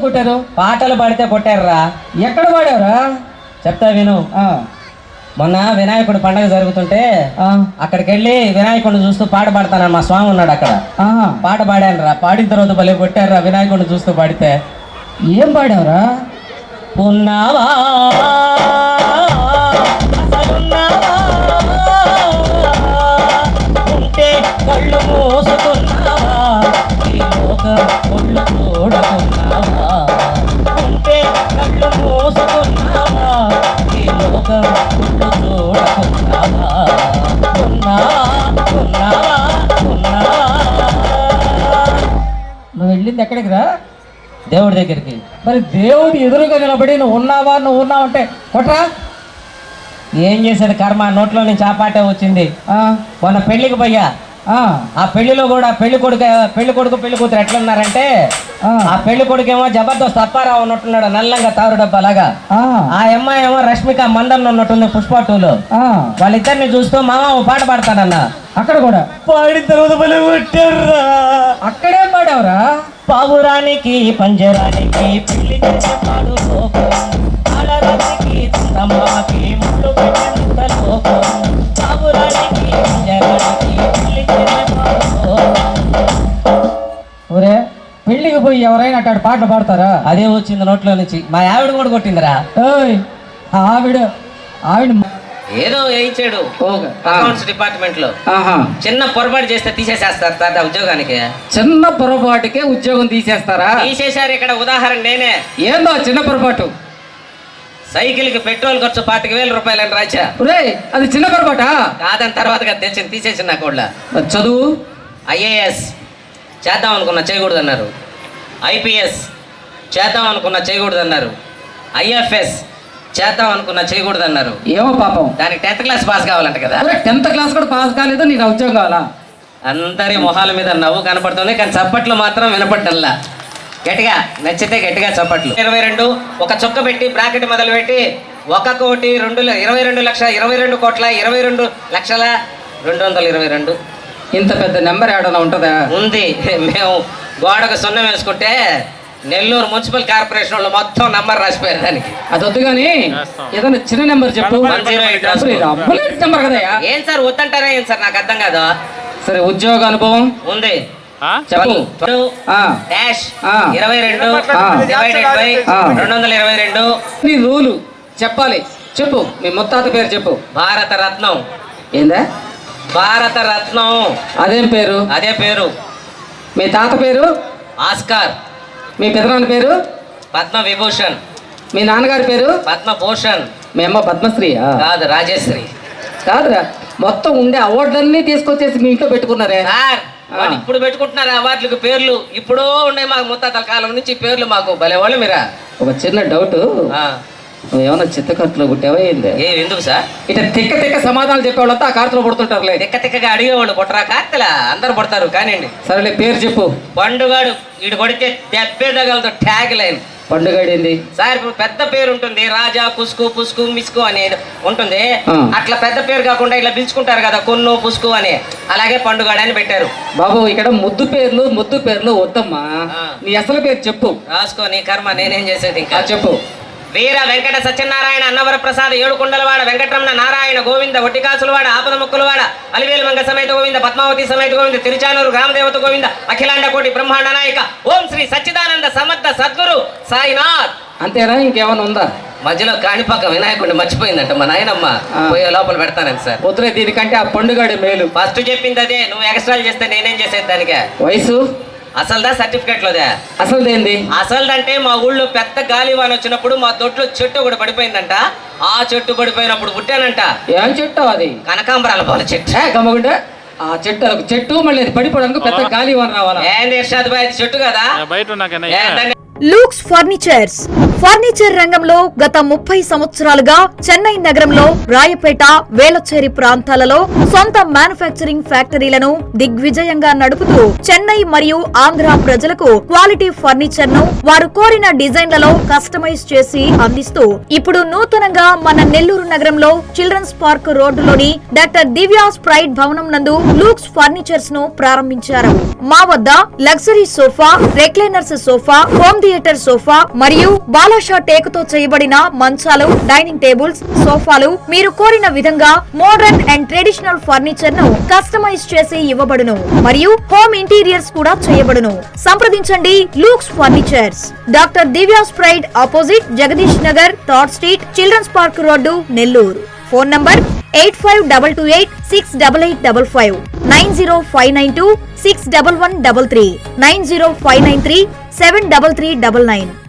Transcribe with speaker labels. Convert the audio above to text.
Speaker 1: కొట్టారు?
Speaker 2: పాటలు పాడితే కొట్టారురా.
Speaker 1: ఎక్కడ పాడావురా?
Speaker 2: చెప్తా విను. మొన్న వినాయకుడు పండగ జరుగుతుంటే అక్కడికి వెళ్ళి వినాయకుడిని చూస్తూ పాట పాడతానని మా స్వామి ఉన్నాడు అక్కడ. పాట పాడాను రా. పాడిన తర్వాత భలే కొట్టారురా వినాయకుడిని చూస్తూ పాడితే.
Speaker 1: ఏం పాడావురా?
Speaker 2: ఉన్నావా ఉంటే కళ్ళు మోసుకున్నావా ఈ లోక ఒళ్ళు చూడకున్నావా ఉంటే కళ్ళు మోసుకున్నావా ఈ లోక ఒళ్ళు చూడకున్నావా ఉన్నావా ఉన్నావా ఉన్నావా.
Speaker 1: నువ్వు వెళ్ళింది ఎక్కడికి రా?
Speaker 2: దేవుడి దగ్గరికి.
Speaker 1: మరి దేవుడి ఎదురుగా నిలబడి నువ్వు ఉన్నావా అంటే కొట్రా.
Speaker 2: ఏం చేసేది కర్మ, నోట్లో నుంచి ఆ పాటే వచ్చింది. మొన్న పెళ్లికి పోయా. ఆ పెళ్లిలో కూడా పెళ్లి కొడుకు పెళ్లి కూతురు ఎట్లున్నారంటే ఆ పెళ్లి కొడుకేమో జబర్దస్త్ అప్పారావు ఉన్నట్టున్నాడు, నల్లంగా తారు డబ్బా లాగా. ఆ అమ్మాయి ఏమో రష్మిక మందన్ ఉన్నట్టుంది పుష్ప 2లో. వాళ్ళిద్దరిని చూస్తూ మామ పాట పాడతానన్నా.
Speaker 1: అక్కడ కూడా
Speaker 2: పాడిన తర్వాత
Speaker 1: అక్కడేం పాడావురా?
Speaker 2: పావురానికి పంజరానికి పెళ్లి చేసే పాడు లోకం, ఆడరానికి చందమామకి ముళ్ళు పెట్టినంత లోకం, పావురానికి పంజరానికి పెళ్లి చేసే పాడు లోకం.
Speaker 1: ఒరే పెళ్లికి పోయి ఎవరైనా అట్టాడు పాటలు పాడతారా?
Speaker 2: అదే వచ్చింది నోట్లో నుంచి. మా ఆవిడ కూడా కొట్టిందిరా.
Speaker 1: ఆవిడ
Speaker 2: ఏదో వేయించాడు అకౌంట్స్ డిపార్ట్మెంట్ లో. చిన్న పొరపాటు చేస్తే తీసేసేస్తారు సార్ ఉద్యోగానికి.
Speaker 1: చిన్న పొరపాటుకే ఉద్యోగం తీసేస్తారా?
Speaker 2: తీసేశారు. ఇక్కడ ఉదాహరణ నేనే.
Speaker 1: ఏందో చిన్న పొరపాటు?
Speaker 2: సైకిల్ కి పెట్రోల్ ఖర్చు 25,000 రూపాయలని రాచా.
Speaker 1: అది చిన్న పొరపాటా?
Speaker 2: కాదని తర్వాత తెచ్చింది తీసేసింది. నాకు కూడా
Speaker 1: చదువు
Speaker 2: IAS చేద్దాం అనుకున్నా చేయకూడదు అన్నారు. IPS చేద్దాం అనుకున్నా చేయకూడదు అన్నారు. IFS చేద్దాం అనుకున్నా చేయకూడదు అన్నారు.
Speaker 1: ఏమో పాపం,
Speaker 2: దానికి 10th క్లాస్ పాస్ కావాలంట కదా.
Speaker 1: 10th క్లాస్ కూడా పాస్ కాలేదు, నీకు ఉద్యోగం కావాలా?
Speaker 2: అందరి మొహాల మీద నవ్వు కనపడుతుంది, కానీ చప్పట్లు మాత్రం వినపడ్డల్లా. గట్టిగా నచ్చితే గట్టిగా చప్పట్లు. 22 ఒక చుక్క పెట్టి బ్రాకెట్ మొదలు పెట్టి 1,22,22,22,222.
Speaker 1: ఇంత పెద్ద నెంబర్ ఏడన్నా ఉంటుందా?
Speaker 2: ఉంది. మేము గోడకు సున్నం వేసుకుంటే నెల్లూరు మున్సిపల్ కార్పొరేషన్ వాళ్ళు మొత్తం నంబర్ రాసిపోయారు దానికి.
Speaker 1: అది వద్దు కానీ ఏదైనా చిన్న నెంబర్ చెప్పు.
Speaker 2: 108
Speaker 1: నెంబర్ కదా.
Speaker 2: ఏం సార్ వద్దంటారా? ఏం సార్ నాకు అర్థం కాదు.
Speaker 1: సరే ఉద్యోగ అనుభవం
Speaker 2: ఉంది
Speaker 1: చెప్పు.
Speaker 2: -22/222
Speaker 1: నీ రూలు చెప్పాలి. చెప్పు. మీ ముత్తాత పేరు చెప్పు.
Speaker 2: భారత రత్నం.
Speaker 1: ఏందా?
Speaker 2: భారత రత్నం.
Speaker 1: అదేం పేరు?
Speaker 2: అదే పేరు.
Speaker 1: మీ తాత పేరు?
Speaker 2: ఆస్కార్.
Speaker 1: మీ పెదనాన్న పేరు?
Speaker 2: పద్మ విభూషణ్.
Speaker 1: మీ నాన్నగారి పేరు?
Speaker 2: పద్మభూషణ్.
Speaker 1: మీ అమ్మ పద్మశ్రీ?
Speaker 2: కాదు, రాజశ్రీ.
Speaker 1: కాదురా, మొత్తం ఉండే అవార్డులన్నీ తీసుకొచ్చేసి మీ ఇంట్లో పెట్టుకున్నారే
Speaker 2: సార్. ఇప్పుడు పెట్టుకుంటున్నారు అవార్డులకు పేర్లు. ఇప్పుడో ఉండే మాకు ముత్తాతల కాలం నుంచి పేర్లు. మాకు భలే వాళ్ళు మీరా.
Speaker 1: ఒక చిన్న డౌట్, నువ్వేమన్నా చిత్తకట్టులో పుట్టావా ఏంది?
Speaker 2: ఎందుకు సార్
Speaker 1: ఇట్లా తిక్క తిక్క సమాధానాలు చెప్పేవాళ్ళంతా ఆ కార్తలో పడుతుంటారులే.
Speaker 2: తిక్క తిక్కగా అడిగేవాళ్ళు పుట్టరా? కార్తెలా అందరు పడతారు కానివ్వండి.
Speaker 1: సరేలే పేరు చెప్పు.
Speaker 2: పండుగాడు. వీడు కొడితే దెబ్బే తగలతో ట్యాగ్ లైన్.
Speaker 1: పండుగాడు ఏంది
Speaker 2: సార్? ఇప్పుడు పెద్ద పేరు ఉంటుంది, రాజా, కుస్కు, పుస్కు, మిస్కు అనేది ఉంటుంది. అట్లా పెద్ద పేరు కాకుండా ఇట్లా పిలుచుకుంటారు కదా, కొన్ను, పుస్కు అని. అలాగే పండుగాడు అని పెట్టారు.
Speaker 1: బాబు ఇక్కడ ముద్దు పేర్లు వద్దమ్మా. నీ అసలు పేరు చెప్పు.
Speaker 2: రాసుకో. నీ కర్మ, నేనేం చేసేది. ఇంకా
Speaker 1: చెప్పు.
Speaker 2: వీర వెంకట సత్యనారాయణ అన్నవర ప్రసాద్ ఏడుకొండలవాడ వెంకటరమణ నారాయణ గోవింద ఒట్టికాసులవాడ ఆపద ముక్కులవాడ అలివేలు మంగ సమేత గోవింద పద్మావతి సమేత గోవింద తిరుచానూరు గ్రామదేవత గోవింద అఖిలాండ కోటి బ్రహ్మాండ నాయక ఓం శ్రీ సచ్చిదానంద సమర్థ సద్గురు సాయినాథ్.
Speaker 1: అంతేనా? ఇంకేమైనా ఉందా?
Speaker 2: మధ్యలో కాణిపాక వినాయకుడిని మర్చిపోయిందంట మా నాయనమ్మ. పోయే లోపల పెడతానని సార్.
Speaker 1: వద్దులే, దీనికంటే ఆ పండుగాడే మేలు.
Speaker 2: ఫస్ట్ చెప్పింది అదే. నువ్వు ఎక్స్ట్రాలు చేస్తే నేనేం చేసేది దానికే?
Speaker 1: వయసు
Speaker 2: అసలుదా సర్టిఫికెట్ లోదే?
Speaker 1: అసలుదేంది?
Speaker 2: అసలుదంటే మా ఊళ్ళో పెద్ద గాలివాన వచ్చినప్పుడు మా దొడ్లో చెట్టు ఒకటి పడిపోయిందంట. ఆ చెట్టు పడిపోయినప్పుడు పుట్టానంట.
Speaker 1: ఏం చెట్టు అది?
Speaker 2: కనకాంబరాల పూల చెట్టు.
Speaker 1: గమ్మగుంటే ఆ చెట్టు మళ్ళీ పడిపోవడానికి పెద్ద గాలివాన రావాలా?
Speaker 2: ఏంది ఇర్షాద్ భాయ్, చెట్టు కదా బయట.
Speaker 3: లూక్స్ ఫర్నిచర్ రంగంలో గత 30 సంవత్సరాలుగా చెన్నై నగరంలో రాయపేట, వేలచేరి ప్రాంతాలలో సొంత మ్యానుఫ్యాక్చరింగ్ ఫ్యాక్టరీలను దిగ్విజయంగా నడుపుతూ చెన్నై మరియు ఆంధ్ర ప్రజలకు క్వాలిటీ ఫర్నిచర్ ను వారు కోరిన డిజైన్లలో కస్టమైజ్ చేసి అందిస్తూ ఇప్పుడు నూతనంగా మన నెల్లూరు నగరంలో చిల్డ్రన్స్ పార్క్ రోడ్డులోని డాక్టర్ దివ్యాస్ ప్రైడ్ భవనం నందు లూక్స్ ఫర్నిచర్స్ ను ప్రారంభించారు. మా వద్ద luxury sofa, recliners sofa, home theatre sofa మరియు బాలాషా టేకుతో చేయబడిన మంచాలు, డైనింగ్ టేబుల్స్, సోఫాలు మీరు కోరిన విధంగా మోడర్న్ అండ్ ట్రెడిషనల్ ఫర్నిచర్ ను కస్టమైజ్ చేసి ఇవ్వబడును మరియు హోమ్ ఇంటీరియర్స్ కూడా చేయబడును. సంప్రదించండి Looks Furnitures, doctor Divya's pride opposite Jagadish Nagar, third street, children's park road, Nellore. Phone number 8522868855, 9059261133, 90593733399.